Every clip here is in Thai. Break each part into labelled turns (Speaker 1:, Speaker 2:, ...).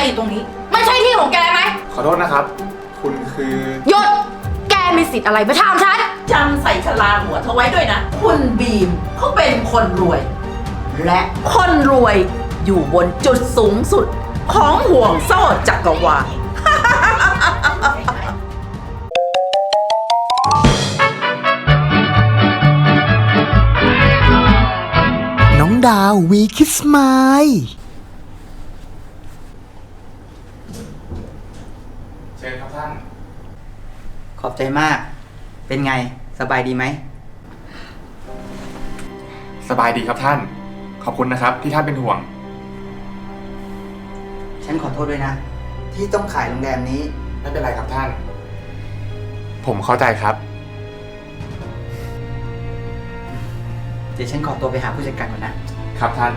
Speaker 1: อะไรอยู่ตรงนี้ไม่ใช่ที่ของแกไหม
Speaker 2: ขอโทษนะครับ คุณคือ
Speaker 1: หยุดแกมีสิทธิ์อะไรมาถามฉัน
Speaker 3: จำใส่ชลาหัวเธอไว้ด้วยนะ คุณบีมเขาเป็นคนรวย และคนรวยอยู่บนจุดสูงสุดของห่วงโซ่จักรวาล
Speaker 4: น้องดาววีคิสไมล์
Speaker 2: เชิญครับท่าน
Speaker 5: ขอบใจมาก เป็นไง สบายดีไหม
Speaker 2: สบายดีครับท่าน ขอบคุณนะครับที่ท่านเป็นห่วง
Speaker 5: ฉันขอโทษด้วยนะ ที่ต้องขายโรงแรมนี้
Speaker 2: ไม่เป็นไรครับท่าน ผมเข้าใจครับ
Speaker 5: เดี๋ยวฉันขอตัวไปหาผู้จัดการก่อนนะ
Speaker 2: ครับท่าน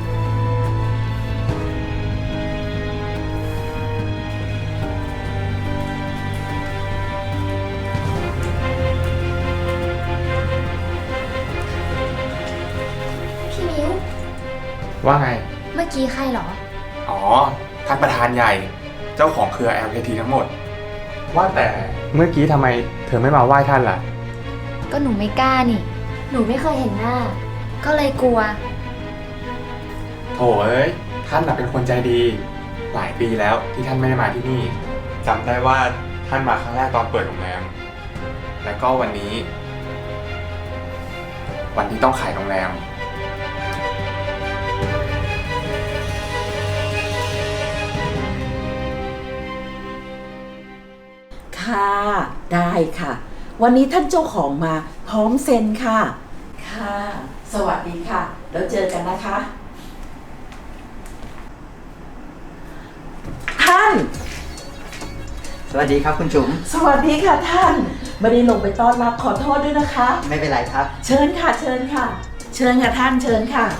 Speaker 6: พี่มิ้ว
Speaker 2: ว่าไง
Speaker 6: เมื่อกี้ใครเหรอ
Speaker 2: อ๋อ ท่านประธานใหญ่ เจ้าของเครือ LKT ทั้งหมด ว่าแต่เมื่อกี้ทำไมเธอไม่มาไหว้ท่านล่ะ
Speaker 6: ก็หนูไม่กล้านี่ หนูไม่เคยเห็นหน้า ก็เลยกลัว
Speaker 2: โถเอ้ย ท่านน่ะเป็นคนใจดี หลายปีแล้วที่ท่านไม่ได้มาที่นี่จำได้ว่าท่านมาครั้งแรกตอนเปิดโรงแรม และก็วันนี้ วันที่ต้องขายโรงแรม
Speaker 3: ค่ะ ได้ค่ะ วันนี้ท่านเจ้าของมาพร้อมเซ็นค่ะ ค่ะ สวัสดีค่ะ แล้วเจอกันนะคะ ท่าน
Speaker 5: สวัสดีครับคุณจุ๋ม
Speaker 3: สวัสดีค่ะท่าน ไม่ได้ลงไปต้อนรับขอโทษด้วยนะคะ
Speaker 5: ไม่เป็นไรครับ
Speaker 3: เชิญค่ะ เชิญค่ะ เชิญค่ะท่าน เชิญค่ะ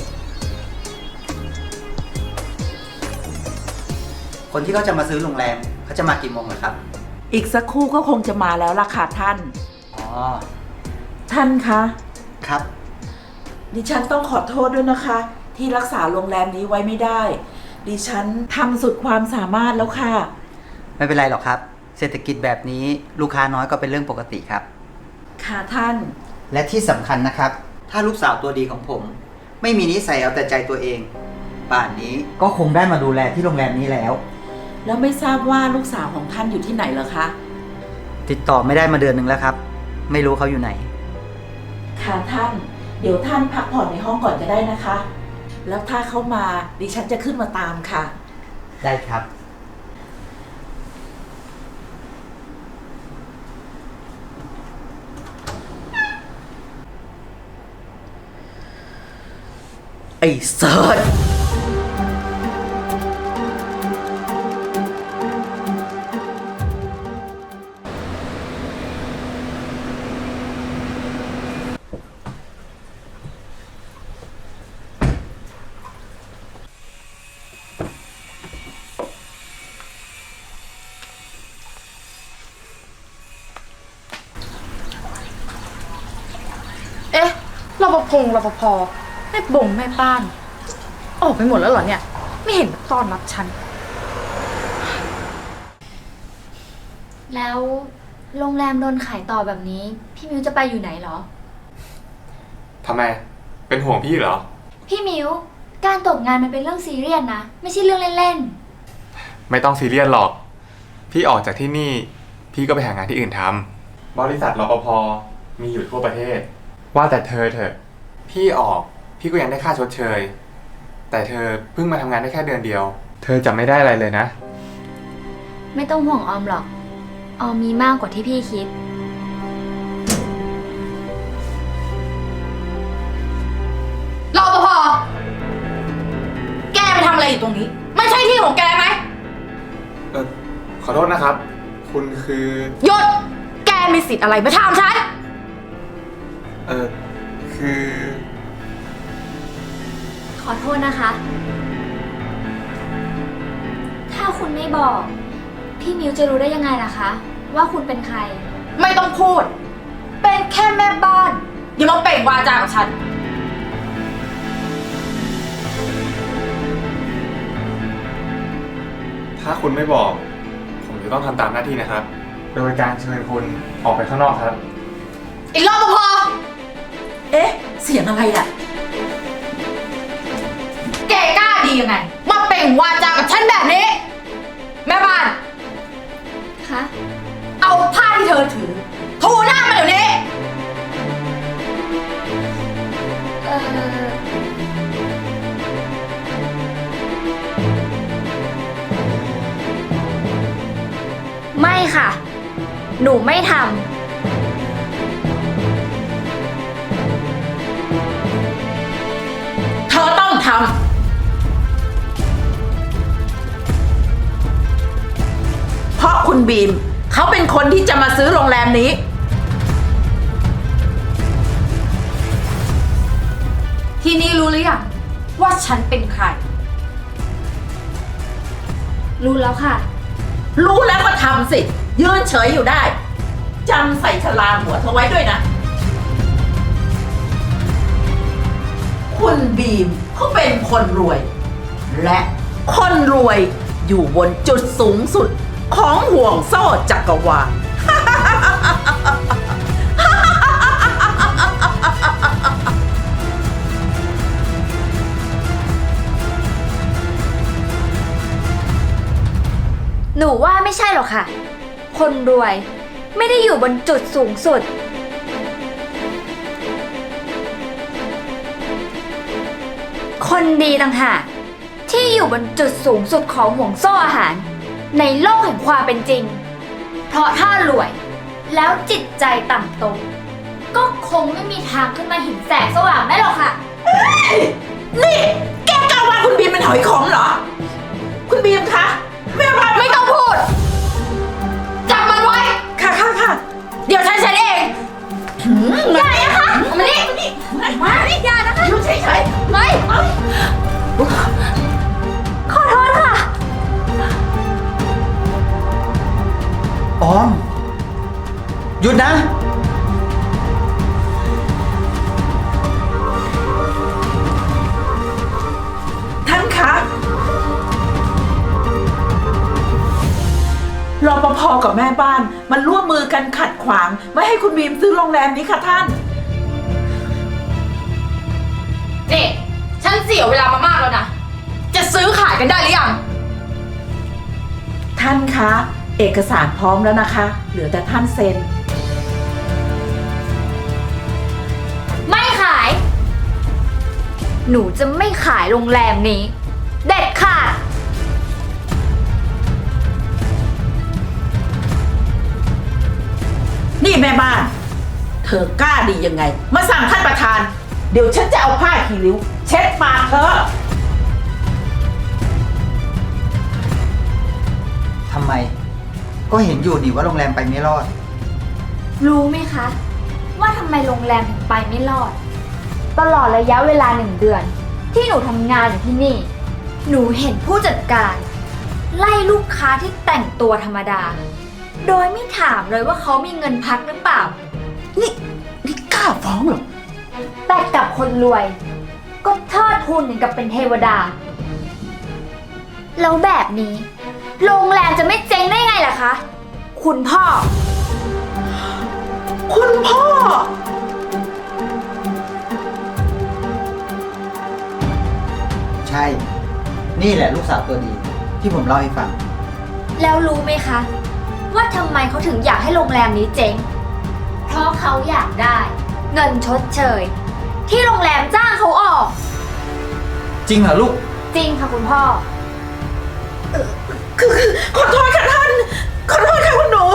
Speaker 5: คนที่เขาจะมาซื้อโรงแรมเขาจะมากี่โมงเหรอครับ
Speaker 3: อีกสักครู่ก็คงจะมาแล้วล่ะค่ะท่าน
Speaker 5: อ๋อ
Speaker 3: ท่านคะ
Speaker 5: ครับ
Speaker 3: ดิฉันต้องขอโทษด้วยนะคะ ที่รักษาโรงแรมนี้ไว้ไม่ได้ ดิฉันทำสุดความสามารถแล้วค่ะ
Speaker 5: ไม่เป็นไรหรอกครับ เศรษฐกิจแบบนี้ลูกค้าน้อยก็เป็นเรื่องปกติครับ
Speaker 3: ค่ะท่าน
Speaker 5: และที่สำคัญนะครับ ถ้าลูกสาวตัวดีของผม ไม่มีนิสัยเอาแต่ใจตัวเอง ป่านนี้ก็คงได้มาดูแลที่โรงแรมนี้แล้ว
Speaker 3: แล้วไม่ทราบว่าลูกสาวของท่านอยู่ที่ไหนเหรอคะ
Speaker 5: ติดต่อไม่ได้มาเดือนหนึ่งแล้วครับ ไม่รู้เขาอยู่ไหน
Speaker 3: ค่ะท่าน เดี๋ยวท่านพักผ่อนในห้องก่อนก็ได้นะคะ แล้วถ้าเขามาดิฉันจะขึ้นมาตามค่ะ
Speaker 5: ได้ครับ
Speaker 3: ไอ้เซิร์ช
Speaker 1: เอ๊ะรปภรปภแม่บ่งแม่บ้าน ออกไปหมดแล้วเหรอเนี่ย ไม่เห็นมาต้อนรับฉัน
Speaker 6: แล้วโรงแรมโดนขายต่อแบบนี้ พี่มิ้วจะไปอยู่ไหนเหรอ
Speaker 2: ทำไม เป็นห่วงพี่เหรอ
Speaker 6: พี่มิ้ว การตกงานมันเป็นเรื่องซีเรียสนะ ไม่ใช่เรื่องเล่น
Speaker 2: ไม่ต้องซีเรียสหรอก พี่ออกจากที่นี่ พี่ก็ไปหางานที่อื่นทำ บริษัทรปภมีอยู่ทั่วประเทศ ว่าแต่เธอเถอะ พี่ออก พี่ก็ยังได้ค่าชดเชย แต่เธอเพิ่งมาทำงานได้แค่เดือนเดียว เธอจะไม่ได้อะไรเลยนะ
Speaker 6: ๆ ไม่ต้องห่วงออมหรอก ออมมีมากกว่าที่พี่คิด
Speaker 1: รปภแกไปทำอะไรอยู่ตรงนี้ ไม่ใช่ที่ของแกไหม
Speaker 2: ขอโทษนะครับ คุณคือ
Speaker 1: หยุดแกมีสิทธิ์อะไรมาถามฉัน
Speaker 2: คือ
Speaker 6: ขอโทษนะคะ ถ้าคุณไม่บอก พี่มิ้วจะรู้ได้ยังไงล่ะคะ ว่าคุณเป็นใคร
Speaker 1: ไม่ต้องพูด เป็นแค่แม่บ้าน อย่ามาเปล่งวาจากับฉัน
Speaker 2: ผถ้าคุณไม่บอก ผมจะต้องทำตามหน้าที่นะครับ โดยการเชิญคุณออกไปข้างนอกครับ
Speaker 1: ไอ้รปภ
Speaker 3: เอ๊ะ เสียงอะไรอ่ะ
Speaker 1: แกกล้าดียังไง มาเปล่งวาจากับฉันแบบนี้ แม่บ้าน
Speaker 6: คะ
Speaker 1: เอาผ้าที่เธอถือ ถูหน้ามาเดี๋ยวนี้
Speaker 6: เอ่อ ไม่ค่ะ หนูไม่ท
Speaker 3: เธอต้องทำ เพราะคุณบีม เขาเป็นคนที่จะมาซื้อโรงแรมนี้
Speaker 1: ทีนี้รู้หรือยังว่าฉันเป็นใคร
Speaker 6: ำรู้แล้วค่ะ
Speaker 3: รู้แล้วก็ทำสิ ยืนเฉยอยู่ได้จำใส่ชลาหัวเธอไว้ด้วยนะ คุณบีมเขาเป็นคนรวย และคนรวยอยู่บนจุดสูงสุดของห่วงโซ่จักรวาล
Speaker 6: หนูว่าไม่ใช่หรอกค่ะ คนรวยไม่ได้อยู่บนจุดสูงสุด คนดีต่างหากที่อยู่บนจุดสูงสุดของห่วงโซ่อาหาร ในโลกแห่งความเป็นจริง เพราะถ้ารวยแล้วจิตใจต่ำตมก็คงไม่มีทางขึ้นมาเห็นแสงสว่างได้หรอกค่ะ
Speaker 3: นี่แกกล้าว่าคุณบีมเป็นหอยขมเหรอ คุณบีมคะแม่บ้าน
Speaker 1: ไม่ต้องพูด จับมันไว้
Speaker 3: ค่ะค่ะค่ะ
Speaker 1: เดี๋ยวฉันเช็ดเอง
Speaker 6: อย่านะคะเอามานี่
Speaker 3: มาดิ
Speaker 6: อย่านะคะ
Speaker 3: อยู่เฉย
Speaker 6: ไม่ ขอโทษค่ะ
Speaker 5: ออม หยุดนะ
Speaker 3: ๆท่านคะรปภกับแม่บ้านมันร่วมมือกันขัดขวาง ไม่ให้คุณบีมซื้อโรงแรมนี้ค่ะท่าน
Speaker 1: นี่ ฉันเสียเวลามามากแล้วนะ จะซื้อขายกันได้หรือยัง
Speaker 3: ท่านคะ เอกสารพร้อมแล้วนะคะ เหลือแต่ท่านเซ็น
Speaker 6: ไม่ขาย หนูจะไม่ขายโรงแรมนี้ เด็ดขาด
Speaker 3: นี่แม่บ้าน เธอกล้าดียังไง มาสั่งท่านประธาน เดี๋ยวฉันจะเอาผ้าคีริ้ว เช็ดปากเธอ
Speaker 5: ทำไม ก็เห็นอยู่นี่ว่าโรงแรมไปไม่รอด
Speaker 6: รู้ไหมคะ ว่าทำไมโรงแรมถึงไปไม่รอด ตลอดระยะเวลา1 เดือน ที่หนูทำงานอยู่ที่นี่ หนูเห็นผู้จัดการ ไล่ลูกค้าที่แต่งตัวธรรมดา โดยไม่ถามเลยว่าเขามีเงินพักหรือเปล่า
Speaker 3: นี่กล้าฟ้องเหรอ
Speaker 6: แต่กับคนรวย ก็เทิดทูนอย่างกับเป็นเทวดา แล้วแบบนี้ โรงแรมจะไม่เจ๊งได้ไงล่ะคะ คุณพ่อ
Speaker 3: คุณพ่อ
Speaker 5: ใช่ นี่แหละลูกสาวตัวดี ที่ผมเล่าให้ฟัง
Speaker 6: แล้วรู้ไหมคะ ว่าทำไมเขาถึงอยากให้โรงแรมนี้เจ๊ง เพราะเขาอยากได้ เงินชดเชย ที่โรงแรมจ้างเขาออก
Speaker 5: จริงเหรอลูก
Speaker 6: จริงค่ะคุณพ่อ
Speaker 3: คือขอโทษค่ะท่าน ขอโทษค่ะคุณหนู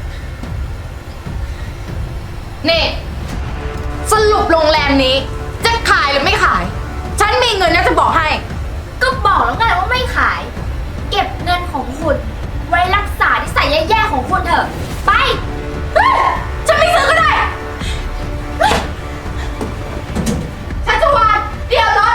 Speaker 1: นี่ สรุปโรงแรมนี้ จะขายหรือไม่ขาย ฉันมีเงินนะจะบอกให้
Speaker 6: ก็บอกแล้วไงว่าไม่ขาย เก็บเงินของคุณ ไว้รักษานิสัยแย่ๆของคุณเถอะ ไปเฮ้ยฉันไม่ซื้อก็ได้เฮ้ยชัชวานเดี๋ยวรถ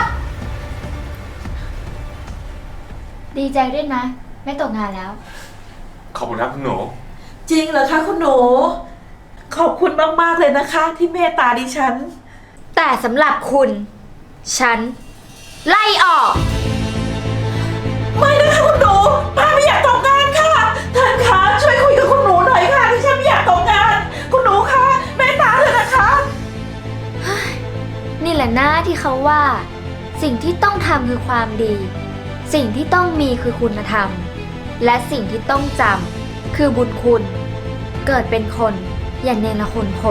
Speaker 6: ดีใจด้วยนะ ไม่ตกงานแล้ว
Speaker 2: ขอบคุณครับคุณหนู
Speaker 3: จริงเหรอคะคุณหนู ขอบคุณมากๆเลยนะคะ ที่เมตตาดิฉัน
Speaker 6: แต่สำหรับคุณ ฉัน ไล่ออก
Speaker 3: ไม่นะคะคุณหนูป้าไม่อยากท
Speaker 6: เขาว่า สิ่งที่ต้องทำคือความดี สิ่งที่ต้องมีคือคุณธรรม และสิ่งที่ต้องจำคือบุญคุณ เกิดเป็นคนอย่าเนรคุณคน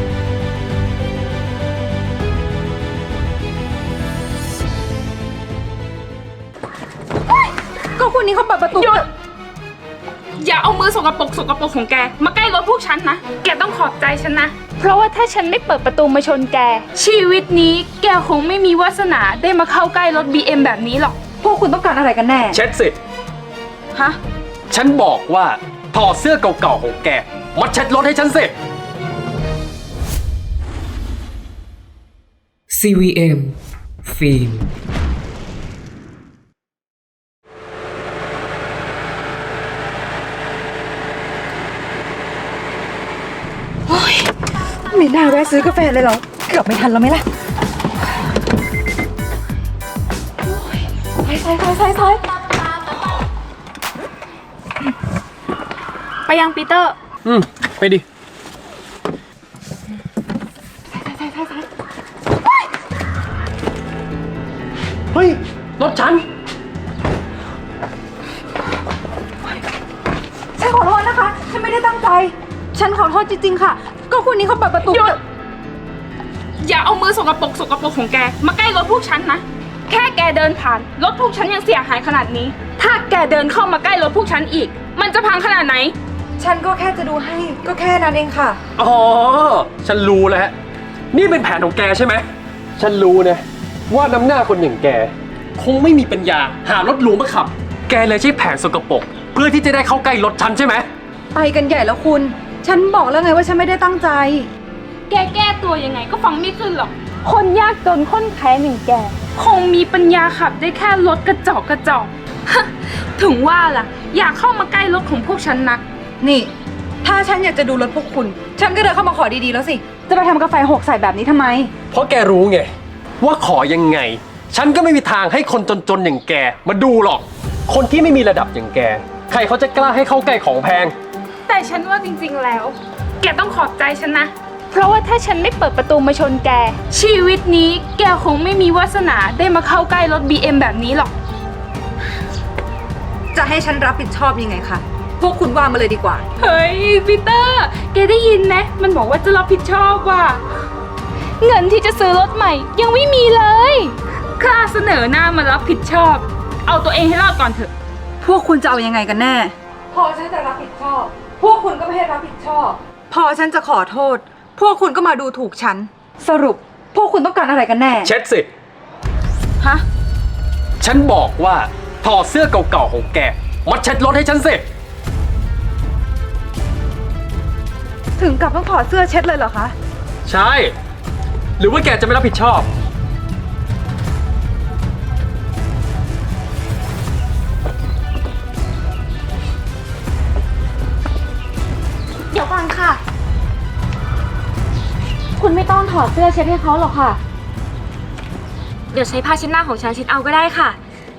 Speaker 7: ก็คนนี้เขาเปิดประตู
Speaker 8: หยุด อย่าเอามือสกปรกของแก มาใกล้รถพวกฉันนะ แกต้องขอบใจฉันนะ เพราะว่าถ้าฉันไม่เปิดประตูมาชนแก ชีวิตนี้แกคงไม่มีวาสนาได้มาเข้าใกล้รถ BM แบบนี้หรอก
Speaker 7: พวกคุณต้องการอะไรกันแน่
Speaker 9: เช็ดสิ
Speaker 7: ฮะ
Speaker 9: ฉันบอกว่าถอดเสื้อเก่าๆของแกมาเช็ดรถให้ฉันสิ
Speaker 10: CVM ฟิล์ม
Speaker 7: ไม่น่าแวะซื้อกาแฟเลยเหรอ เกือบไม่ทันแล้วไหมล่ะใส่
Speaker 8: ไปยังปีเตอร์
Speaker 9: ไปดิ เฮ้ย รถฉัน
Speaker 7: ฉันขอโทษนะคะ ฉันไม่ได้ตั้งใจ ฉันขอโทษจริงๆค่ะ ก็คนนี้เขาเปิดประตู
Speaker 8: หยุด อย่าเอามือสกปรกของแก มาใกล้รถพวกฉันนะ แค่แกเดินผ่านรถพวกฉันยังเสียหายขนาดนี้ ถ้าแกเดินเข้ามาใกล้รถพวกฉันอีก มันจะพังขนาดไหน
Speaker 7: ฉันก็แค่จะดูให้ ก็แค่นั้นเองค่ะ
Speaker 9: อ๋อ ฉันรู้แล้ว นี่เป็นแผนของแกใช่ไหม ฉันรู้นะ ว่าน้ำหน้าคนอย่างแก คงไม่มีปัญญาหารถหรูมาขับ แกเลยใช้แผนสกปรกเพื่อที่จะได้เข้าใกล้รถฉันใช่ไหม
Speaker 7: ไปกันใหญ่แล้วคุณ ฉันบอกแล้วไงว่าฉันไม่ได้ตั้งใจ
Speaker 8: แกแก้ตัวยังไงก็ฟังไม่ขึ้นหรอก คนยากจนค้นแค้นอย่างแก คงมีปัญญาขับได้แค่รถกระจอก ถึงว่าล่ะ อยากเข้ามาใกล้รถของพวกฉันนัก
Speaker 7: นี่ ถ้าฉันอยากจะดูรถพวกคุณ ฉันก็เดินเข้ามาขอดีๆแล้วสิ จะไปทำกาแฟหกใส่แบบนี้ทำไม
Speaker 9: เพราะแกรู้ไง ว่าขอยังไง ฉันก็ไม่มีทางให้คนจนๆอย่างแกมาดูหรอก คนที่ไม่มีระดับอย่างแก ใครเขาจะกล้าให้เข้าใกล้ของแพง
Speaker 8: แต่ฉันว่าจริงๆแล้ว แกต้องขอบใจฉันนะ เพราะว่าถ้าฉันไม่เปิดประตูมาชนแก ชีวิตนี้แกคงไม่มีวาสนาได้มาเข้าใกล้รถ BM แบบนี้หรอก
Speaker 7: จะให้ฉันรับผิดชอบยังไงคะ พวกคุณว่ามาเลยดีกว่า
Speaker 8: เฮ้ยปีเตอร์ แกได้ยินไหมมันบอกว่าจะรับผิดชอบว่ะ เงินที่จะซื้อรถใหม่ยังไม่มีเลยกล้าเสนอหน้ามารับผิดชอบ เอาตัวเองให้รอดก่อนเถอะ
Speaker 7: พวกคุณจะเอายังไงกันแน่ พอฉันจะรับผิดชอบ พวกคุณก็ไม่ให้รับผิดชอบ พอฉันจะขอโทษ พวกคุณก็มาดูถูกฉัน สรุป พวกคุณต้องการอะไรกันแน่
Speaker 9: เช็ดสิ
Speaker 7: ฮะ
Speaker 9: ฉันบอกว่าถอดเสื้อเก่าๆของแกมาเช็ดรถให้ฉันสิ
Speaker 7: ถึงกับต้องถอดเสื้อเช็ดเลยเหรอคะ
Speaker 9: ใช่ หรือว่าแกจะไม่รับผิดชอบ
Speaker 6: เดี๋ยวก่อนค่ะ คุณไม่ต้องถอดเสื้อเช็ดให้เขาหรอกค่ะ เดี๋ยวใช้ผ้าเช็ดหน้าของฉันเช็ดเอาก็ได้ค่ะ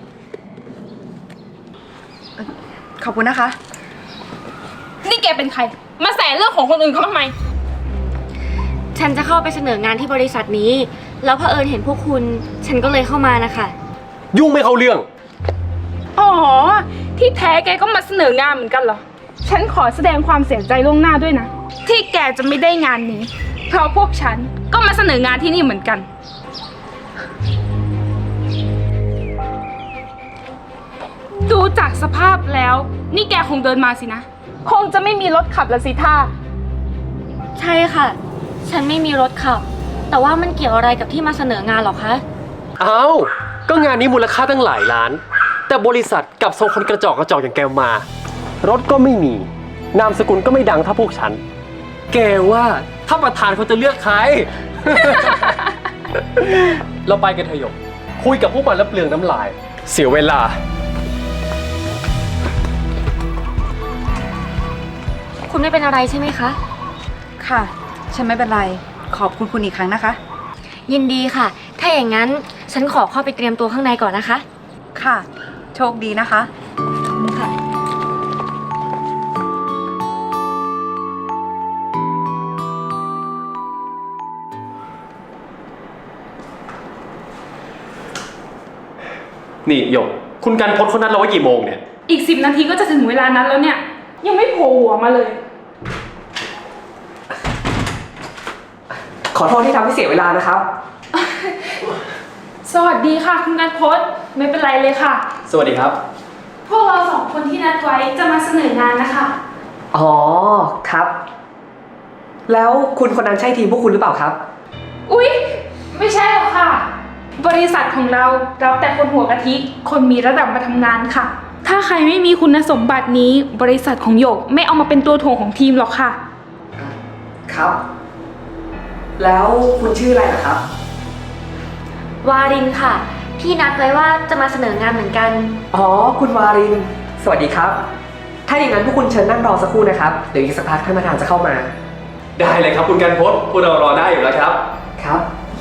Speaker 7: ขอบคุณนะคะ
Speaker 8: นี่แกเป็นใคร มาแสเรื่องของคนอื่นเขาทำไม
Speaker 6: ฉันจะเข้าไปเสนองานที่บริษัทนี้ แล้วเผอิญเห็นพวกคุณ ฉันก็เลยเข้ามานะคะ
Speaker 9: ยุ่งไม่เข้าเรื่อง
Speaker 8: อ๋อ ที่แท้แกก็มาเสนองานเหมือนกันเหรอ ฉันขอแสดงความเสียใจล่วงหน้าด้วยนะ ที่แกจะไม่ได้งานนี้ เพราะพวกฉันก็มาเสนองานที่นี่เหมือนกัน ดูจากสภาพแล้ว นี่แกคงเดินมาสินะ คงจะไม่มีรถขับละสิท่า
Speaker 6: ใช่ค่ะ ฉันไม่มีรถขับ แต่ว่ามันเกี่ยวอะไรกับที่มาเสนองานหรอคะ
Speaker 9: เอ้า ก็งานนี้มูลค่าตั้งหลายล้าน แต่บริษัทกลับส่งคนกระจอกอย่างแกมา รถก็ไม่มี นามสกุลก็ไม่ดังเท่าพวกฉัน แกว่าถ้าประธานเขาจะเลือกใคร เราไปกันเถอะหยก คุยกับพวกมันแล้วเปลืองน้ำลาย เสียเวลา
Speaker 6: คุณไม่เป็นอะไรใช่ไหมคะ
Speaker 7: ค่ะ ฉันไม่เป็นไร ขอบคุณคุณอีกครั้งนะคะ
Speaker 6: ยินดีค่ะ ถ้าอย่างนั้นฉันขอเข้าไปเตรียมตัวข้างในก่อนนะคะ
Speaker 7: ค่ะ โชคดีนะคะ
Speaker 6: ขอบคุณค่ะ
Speaker 9: นี่หยก คุณกันพจน์คนนั้นเราไว้กี่โมงเนี่ย
Speaker 8: อีก10 นาทีก็จะถึงเวลานั้นแล้วเนี่ย ยังไม่โผล่หัวมาเลย
Speaker 10: ขอโทษที่ทำให้เสียเวลานะครับ
Speaker 8: สวัสดีค่ะคุณกันพจน์ไม่เป็นไรเลยค่ะ
Speaker 9: สวัสดีครับ
Speaker 8: พวกเรา2 คนที่นัดไว้จะมาเสนองานนะคะ
Speaker 10: อ๋อ ครับ แล้วคุณคนนั้นใช่ทีมพวกคุณหรือเปล่าครับ
Speaker 8: อุ๊ย ไม่ใช่หรอกค่ะ บริษัทของเรารับแต่คนหัวกะทิ คนมีระดับมาทำงานค่ะ ถ้าใครไม่มีคุณสมบัตินี้ บริษัทของหยกไม่เอามาเป็นตัวถ่วงของทีมหรอกค่ะ
Speaker 10: ครับ แล้วคุณชื่ออะไรล่ะครับ
Speaker 6: วารินค่ะ ที่นัดไว้ว่าจะมาเสนองานเหมือนกัน
Speaker 10: อ๋อ คุณวาริน สวัสดีครับ ถ้าอย่างนั้นพวกคุณเชิญนั่งรอสักครู่นะครับ เดี๋ยวอีกสักพักท่านประธานจะเข้ามา
Speaker 9: ได้เลยครับคุณกันพจน์พวกเรารอได้อยู่แล้วครับ
Speaker 10: ครับ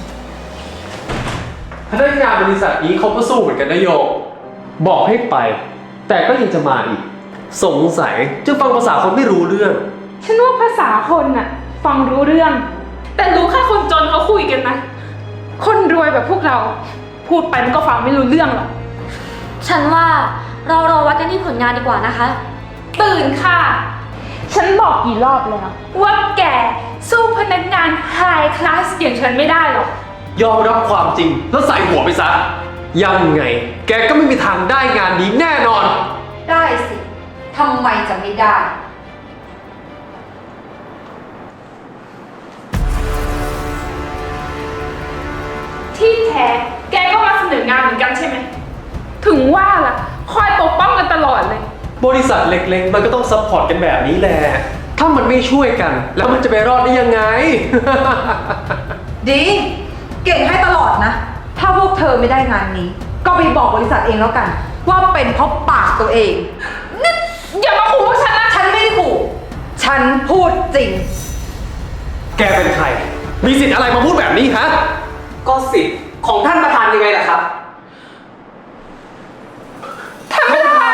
Speaker 9: พนักงานบริษัทนี้เขาก็สู้เหมือนกันนะโยก บอกให้ไป แต่ก็ยังจะมาอีก สงสัยจะฟังภาษาคนไม่รู้เรื่อง
Speaker 8: ฉันว่าภาษาคนน่ะ ฟังรู้เรื่อง แต่รู้แค่คนจนเขาคุยกันนะ คนรวยแบบพวกเรา พูดไปมันก็ฟังไม่รู้เรื่องหรอก
Speaker 6: ฉันว่าเรารอวัดกันที่ผลงานดีกว่านะคะ
Speaker 8: ตื่นค่ะ ฉันบอกกี่รอบแล้วว่าแกสู้พนักงานไฮคลาสอย่างฉันไม่ได้หรอก
Speaker 9: ยอมรับความจริงแล้วใส่หัวไปซะ ยังไง แกก็ไม่มีทางได้งานนี้แน่นอน
Speaker 7: ได้สิทำไมจะไม่ได้
Speaker 8: ที่แท้แกก็มาเสนองานเหมือนกันใช่ไหม ถึงว่าล่ะ คอยปกป้องกันตลอดเลย
Speaker 9: บริษัทเล็กๆ มันก็ต้องซัพพอร์ตกันแบบนี้แหละ ถ้ามันไม่ช่วยกัน แล้วมันจะไปรอดได้ยังไง
Speaker 7: ดี เก่งให้ตลอดนะ ถ้าพวกเธอไม่ได้งานนี้ ก็ไปบอกบริษัทเองแล้วกัน ว่าเป็นเพราะปากตัวเอง
Speaker 8: อย่ามาขู่พวกฉันนะ
Speaker 7: ฉันไม่ได้ขู่ฉันพูดจริง
Speaker 9: แกเป็นใคร มีสิทธิ์อะไรมาพูดแบบนี้ฮะ
Speaker 10: ก็สิทธิ์ของท่านประธานยังไงล่ะครับ
Speaker 6: ท่านประธาน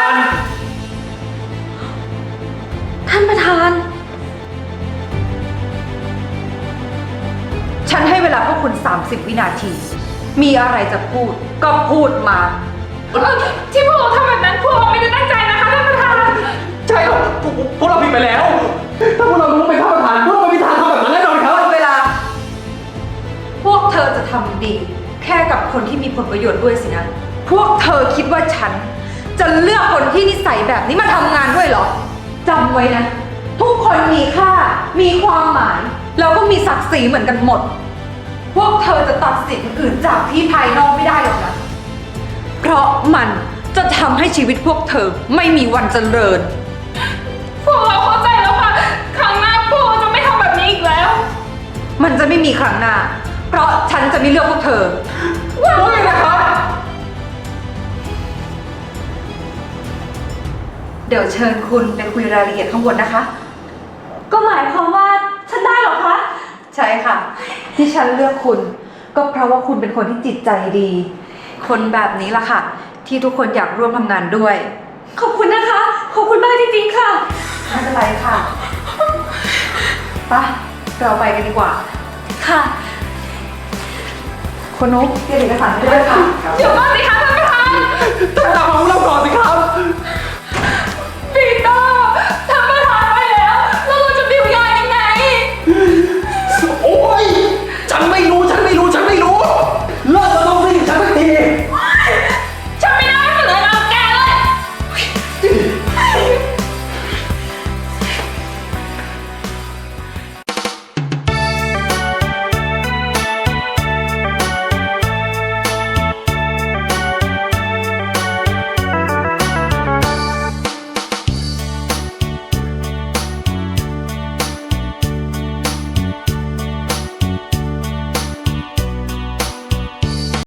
Speaker 7: ฉันให้เวลาพวกคุณ 30 วินาที มีอะไรจะพูด ก็พูดมา
Speaker 8: ที่พวกเราทำแบบนั้นพวกเราไม่ได้ตั้งใจนะคะท่านประธาน
Speaker 9: ใช่ครับพวกเราผิดไปแล้ว ถ้าพวกเรารู้ว่าเป็นท่านประธานพวกเราไม่มีทางทำแบบนั้นแน่นอนครับ
Speaker 7: หมดเวลา พวกเธอจะทำดี แค่กับคนที่มีผลประโยชน์ด้วยสินะ พวกเธอคิดว่าฉัน จะเลือกคนที่นิสัยแบบนี้มาทำงานด้วยเหรอจำไว้นะ ทุกคนมีค่า มีความหมาย แล้วก็มีศักดิ์ศรีเหมือนกันหมด พวกเธอจะตัดสินคนอื่นจากที่ภายนอกไม่ได้หรอกนะ เพราะมันจะทำให้ชีวิตพวกเธอไม่มีวันเจริญ
Speaker 8: พวกเราเข้าใจแล้วค่ะ ครั้งหน้าพวกเราจะไม่ทำแบบนี้อีกแล้ว
Speaker 7: มันจะไม่มีครั้งหน้า เพราะฉันจะไม่เลือกพวกเธอ
Speaker 8: ว่าไงนะครับ
Speaker 7: เดี๋ยวเชิญคุณไปคุยรายละเอียดข้างบนนะคะ
Speaker 6: ก็หมายความว่าฉันได้เหรอคะ
Speaker 7: ใช่ค่ะ ที่ฉันเลือกคุณ ก็เพราะว่าคุณเป็นคนที่จิตใจดี คนแบบนี้ล่ะค่ะ ที่ทุกคนอยากร่วมทำงานด้วย
Speaker 6: ขอบคุณนะคะ ขอบคุณมากจริงๆค่ะ
Speaker 7: ไม่เป็นไรค่ะไปเราไปกันดีกว่า
Speaker 6: ค่ะ
Speaker 7: คุณนุ๊กเตรียมเอกสารไปด้วยค่ะ
Speaker 8: เดี๋ยวก่อนสิคะท่านประธาน
Speaker 9: ตามมาพวกเราก่อนสิครับ